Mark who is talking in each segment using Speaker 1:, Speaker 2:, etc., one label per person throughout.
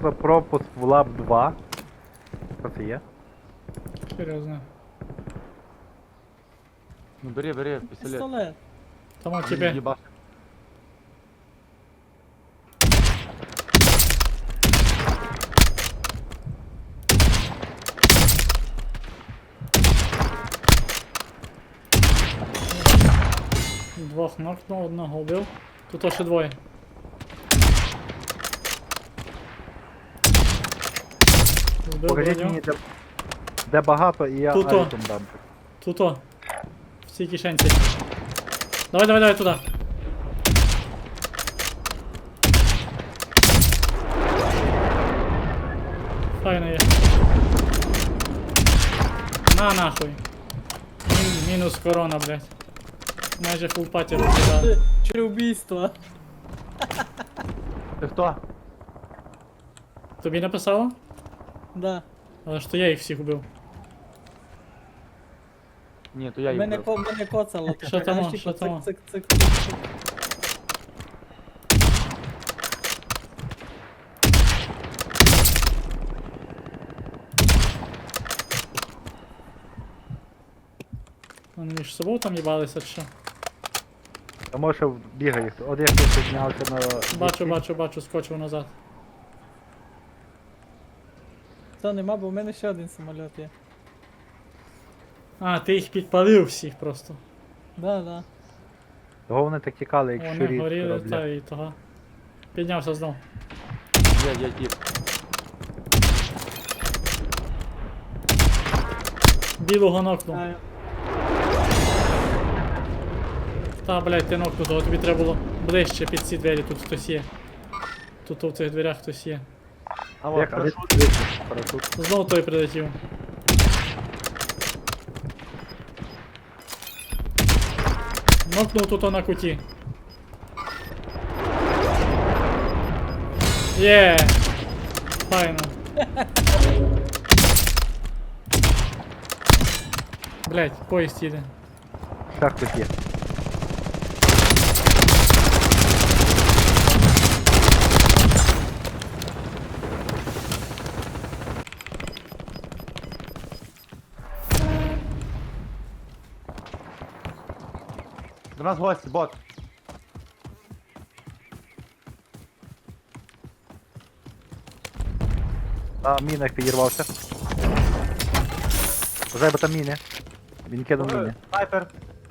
Speaker 1: за пропуск в лаб 2. Що це є?
Speaker 2: Серйозно.
Speaker 3: Ну бери, пістолет.
Speaker 4: Пістолет.
Speaker 2: Тому тебе.
Speaker 3: Єбаш.
Speaker 2: Двох нокнув, одного вбив. Тут ще двоє. Збив
Speaker 1: Покажіть
Speaker 2: броню.
Speaker 1: мені, де багато, і я
Speaker 2: Тут-о.
Speaker 1: айкон дам.
Speaker 2: Тут-о. В цій кишенці. Давай туди. Файно є. На нахуй. Мінус корона, блядь. Майже фул паті розглядав.
Speaker 4: Чи убійство?
Speaker 3: Ти хто?
Speaker 2: Тобі написало?
Speaker 4: Да.
Speaker 2: Але ж то я їх всіх убив.
Speaker 3: Ні, то я їх
Speaker 4: Мене,
Speaker 3: вбив.
Speaker 4: мене коцало.
Speaker 2: Що там,
Speaker 4: Знаєш,
Speaker 2: що
Speaker 4: типу,
Speaker 2: там?
Speaker 4: цик.
Speaker 2: Вони між собою там їбалися чи що?
Speaker 1: А може бігає. От я тут піднявся на...
Speaker 2: Бачу, скочив назад.
Speaker 4: Та нема, бо в мене ще один самоліт є.
Speaker 2: А, ти їх підпалив всіх просто.
Speaker 4: Да.
Speaker 1: Того вони так тікали, як
Speaker 2: Вони
Speaker 1: щурі.
Speaker 2: горіли, та і того. Піднявся знов.
Speaker 3: Я тіп.
Speaker 2: Білого нокнув.
Speaker 4: А,
Speaker 2: Та, блядь, ти нокнув, того тобі треба було ближче під ці двері, тут хтось є. Тут в цих дверях хтось є.
Speaker 3: А
Speaker 1: Як,
Speaker 3: от,
Speaker 1: а
Speaker 3: прошу.
Speaker 1: парашут.
Speaker 2: Знов той прилетів. Нокнув тут на куті. Є! Файно. Блять, поїзд їде.
Speaker 1: Ще хтось є.
Speaker 3: До нас гості, бот.
Speaker 1: На мінах підірвався. Вже бо там міни. Він кинув міни.
Speaker 3: Снайпер.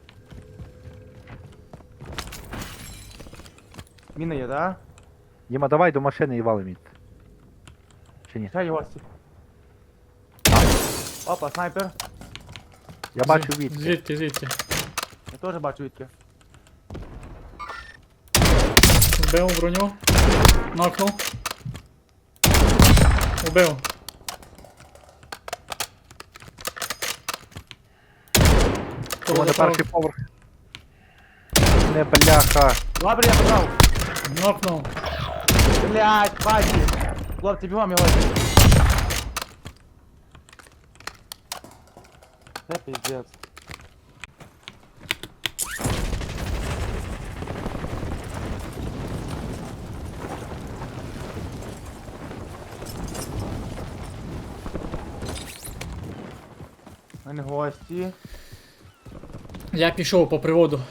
Speaker 3: Міна є, да?
Speaker 1: Діма, давай до машини і валим їх. Чи ні?
Speaker 3: Ще є гості. Опа, снайпер.
Speaker 1: Я бачу від.
Speaker 2: Звідки?
Speaker 3: Я теж бачу відки.
Speaker 2: Вбив броню. Нокнув. Убив.
Speaker 1: Тому на перший поверх. Не бляха.
Speaker 3: Добре, я забрав.
Speaker 2: Нокнув.
Speaker 3: Блять, бачі. Хлопці, бігом його. Це пиздец. У мене гості.
Speaker 2: Я пішов по приводу.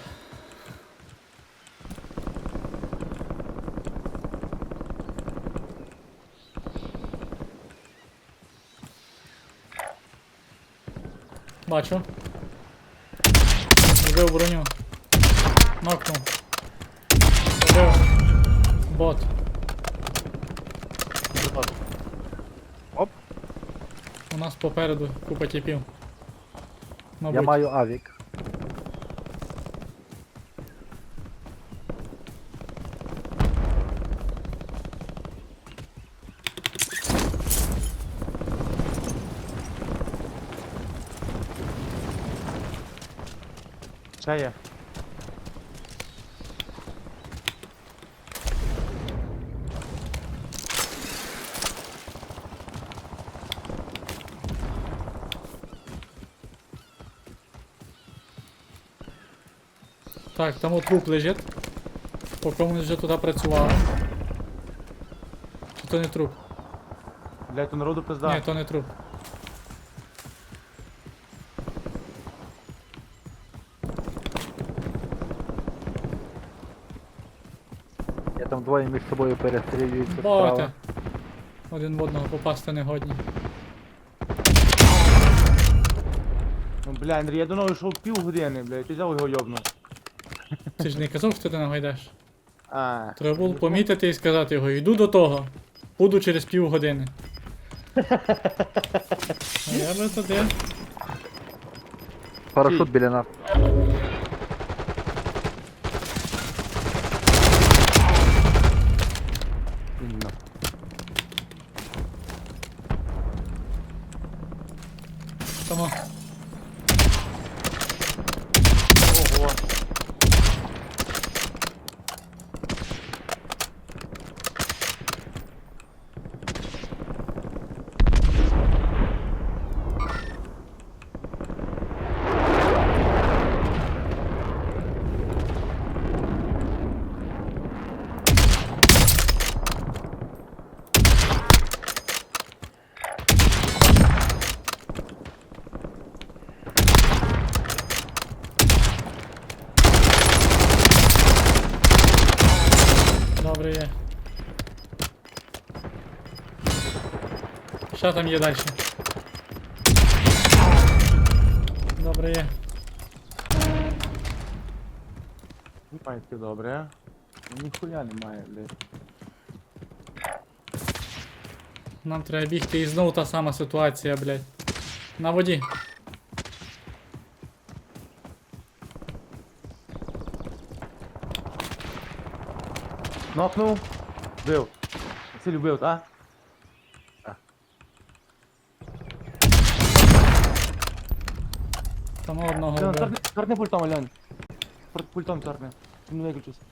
Speaker 2: Бачу. Вбив броню. Нокнув. Вбив. Бот.
Speaker 1: Оп.
Speaker 2: У нас попереду купа тіпів.
Speaker 1: Я
Speaker 2: Мабуть.
Speaker 1: маю авік.
Speaker 3: Ще є.
Speaker 2: Так, там от труп лежить. По комусь вже туди працювали. Чи то не труп?
Speaker 3: Блядь, то народу пизда.
Speaker 2: Ні, то не труп.
Speaker 1: Я там двоє між собою перестрілюються
Speaker 2: Боти.
Speaker 1: справа.
Speaker 2: Один в одного попасти не годні.
Speaker 3: Ну, бля, Андрій, я до нього йшов півгодини, блядь, ти взяв його йобнув.
Speaker 2: Ти ж не казав, що ти ногу йдеш.
Speaker 3: А,
Speaker 2: Треба було помітити і сказати його, йду до того. Буду через півгодини. А я би туди.
Speaker 1: Парашут біля нас.
Speaker 3: іменно.
Speaker 2: Тому.
Speaker 3: Ого.
Speaker 2: Добре є. Що там є далі? Добре є.
Speaker 3: Немає таке добре, а? Ніхуя немає, блядь.
Speaker 2: Нам треба бігти і знову та сама ситуація, блядь. На воді.
Speaker 3: Нокнув. Бив. Це любив, так?
Speaker 2: Там одного
Speaker 3: Льон,
Speaker 2: вбив.
Speaker 3: торкни пультом, Льон. Пультом торкни. Не виключусь.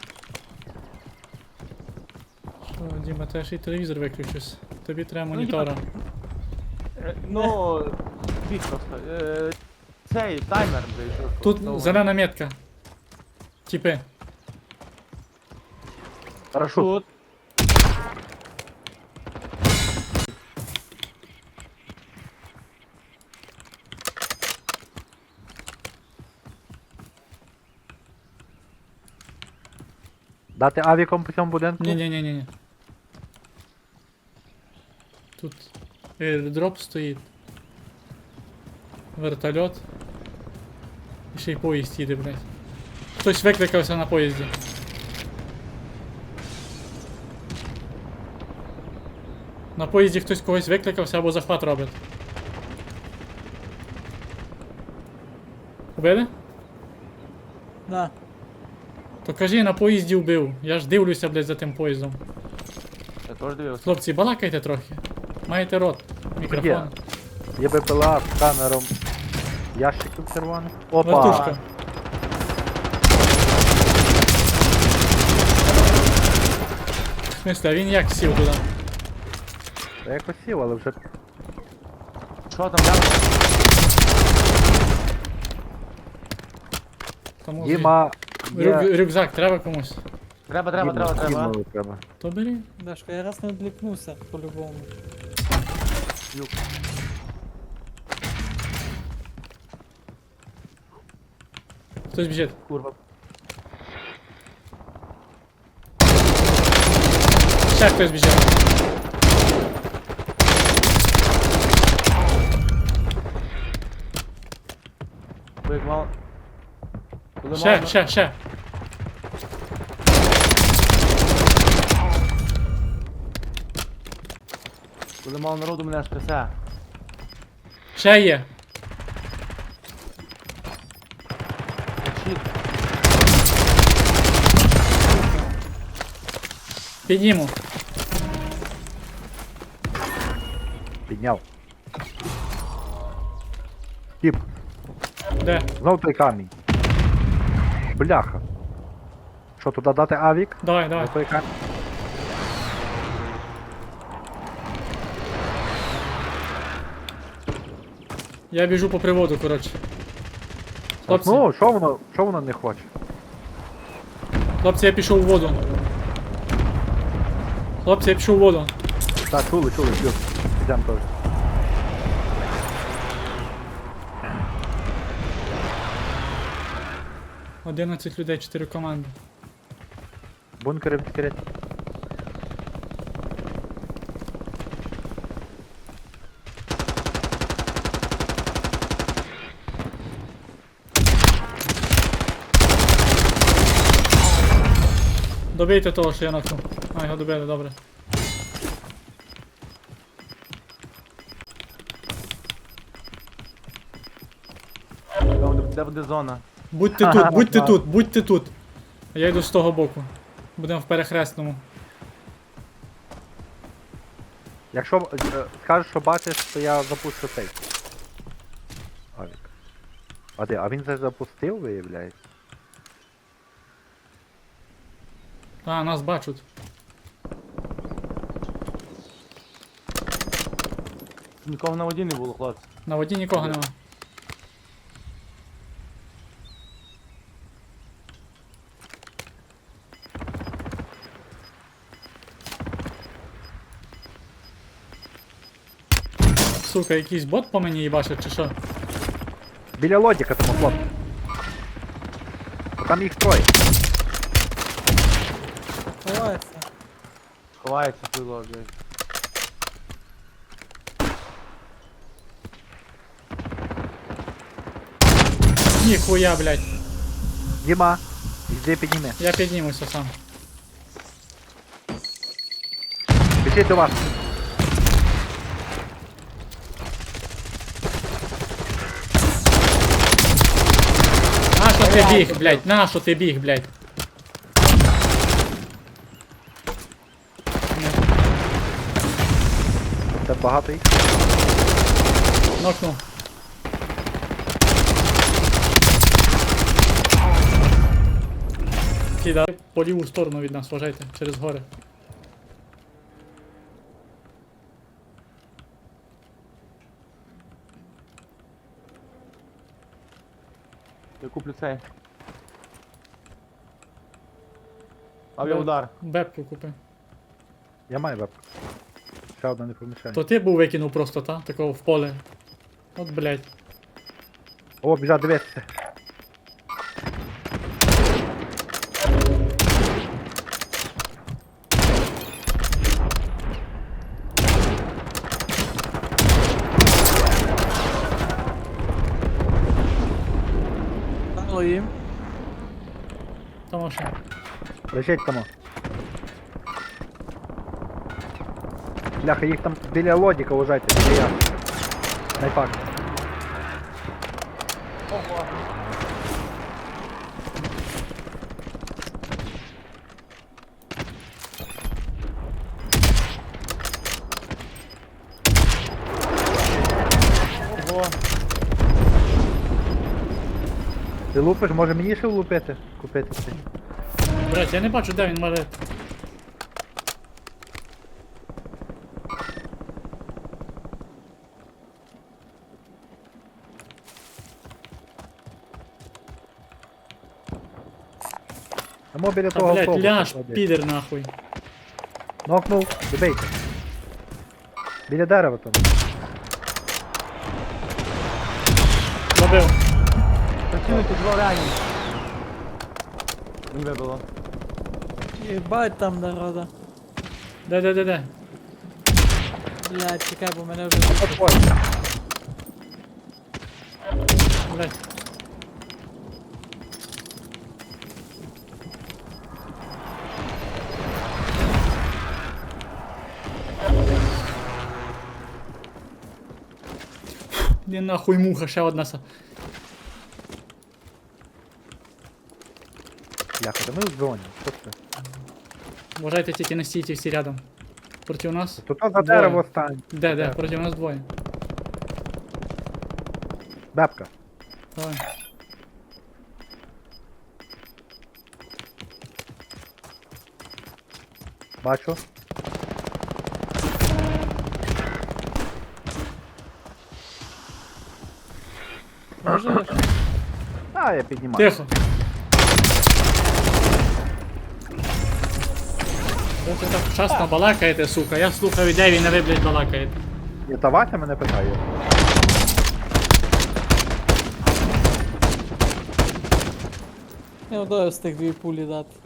Speaker 2: Що, Діма, теж і телевізор виключився. Тобі треба монітора.
Speaker 3: Ну, бік просто. Цей таймер, блядь.
Speaker 2: Тут зелена метка. Типи.
Speaker 1: Парашут.
Speaker 3: Тут.
Speaker 1: Дати авіком по цьому будинку?
Speaker 2: Ні. Тут airdrop стоїть. Вертольот. І ще й поїзд їде, блядь. Хтось викликався на поїзді. На поїзді хтось когось викликався або захват робить. Убили?
Speaker 4: Да.
Speaker 2: То кажи, на поїзді вбив. Я ж дивлюся, блядь, за тим поїздом.
Speaker 3: Я теж дивився.
Speaker 2: Хлопці, балакайте трохи. Маєте рот. Мікрофон.
Speaker 1: Є. Є БПЛА з сканером ящиків червоних. Опа!
Speaker 2: Вертушка. В смысле, а він як сів туди?
Speaker 1: Я якось сів, але вже
Speaker 3: Що там, Льон?
Speaker 2: Тому
Speaker 1: Діма є...
Speaker 2: рюкзак треба комусь.
Speaker 3: Треба.
Speaker 1: Дімові треба.
Speaker 2: То бери.
Speaker 4: Дашка, я раз не відлікнувся по-любому.
Speaker 3: Люк.
Speaker 2: Хтось біжить.
Speaker 3: Курва.
Speaker 2: Ще хтось біжить.
Speaker 3: Бик мав. Коли мав-
Speaker 2: Ще.
Speaker 3: Коли мало народу мене аж трясе.
Speaker 2: Ще є.
Speaker 3: Щит.
Speaker 2: Підніму.
Speaker 1: Підняв. Тіп,
Speaker 2: Де?
Speaker 1: знов той камінь. Бляха. Що, туди дати авік?
Speaker 2: Давай.
Speaker 1: На той камінь?
Speaker 2: Я біжу по приводу, коротше. Хлопці,
Speaker 1: Ну, що воно не хоче?
Speaker 2: хлопці, я пішов у воду. Хлопці, я пішов у воду.
Speaker 1: Так, чули, плюс. підемо теж.
Speaker 2: — 11 людей, 4 команди.
Speaker 1: Бункери відкриті.
Speaker 2: Добийте того, що я нокнув. А, його добили, добре.
Speaker 3: Де буде зона?
Speaker 2: Будьте тут, будьте тут, будьте тут. Я йду з того боку. Будемо в перехресному.
Speaker 1: Якщо скажеш, що бачиш, то я запущу цей. Авік. А де? А він це запустив, виявляється?
Speaker 2: А, нас бачать.
Speaker 3: Нікого на воді не було, хлопці.
Speaker 2: На воді нікого нема. Сука, якийсь бот по мені їбашить, чи що?
Speaker 1: Біля лодіка тому хлопці. Бо там їх троє.
Speaker 4: Ховається.
Speaker 3: Ховається пило, блядь.
Speaker 2: Ніхуя, блядь.
Speaker 1: Діма, йди підніми.
Speaker 2: Я піднімуся сам.
Speaker 1: Біжіть до вас.
Speaker 2: Нащо ти біг, блядь? Нащо ти біг, блядь?
Speaker 1: Це багато їх.
Speaker 2: Нокнув. Кида по ліву сторону від нас, вважайте, через гори.
Speaker 3: Я куплю цей. Авіаудар.
Speaker 2: Бепку купи.
Speaker 1: Я маю вебку. Ще одна не помішає.
Speaker 2: То ти був викинув просто, та? Такого в поле. От, блядь.
Speaker 1: О, біжать, дивіться.
Speaker 4: Дало їм.
Speaker 2: Тому що.
Speaker 1: Лежить там. Бляха, їх там біля лодіка лежать, біля я. Найфак.
Speaker 3: Ого. Ого.
Speaker 1: Ти лупиш, може мені ще влупити? Купити це?
Speaker 2: Блядь, я не бачу, де він мале.
Speaker 1: Тому біля
Speaker 2: Та,
Speaker 1: того
Speaker 2: блядь,
Speaker 1: автобуса
Speaker 2: ляж,
Speaker 1: клади.
Speaker 2: підер нахуй.
Speaker 1: Нокнув, добийте. Біля дерева там.
Speaker 2: Забив.
Speaker 3: Працюйте, два ранені. Не вибило.
Speaker 4: Єбать там народа.
Speaker 2: Де?
Speaker 4: Блядь, чекай, бо мене вже...
Speaker 1: Ой,
Speaker 2: Блядь. Де нахуй муха, ще одна са.
Speaker 1: бляха, да ми в зоні. Що це?
Speaker 2: Вважайте, тільки не стійте всі рядом. Проти нас?
Speaker 1: Тут за
Speaker 2: Двоє.
Speaker 1: дерево стань.
Speaker 2: Де? Проти нас двоє.
Speaker 1: Бебка.
Speaker 2: Давай.
Speaker 1: Бачу.
Speaker 4: Може?
Speaker 1: А, я піднімаю.
Speaker 2: Тихо. Ви це так вчасно балакаєте, сука. Я слухаю, де він, а ви, блядь, балакаєте.
Speaker 1: Ні, та Вася мене питає.
Speaker 4: Я ударив з тих дві пулі дати.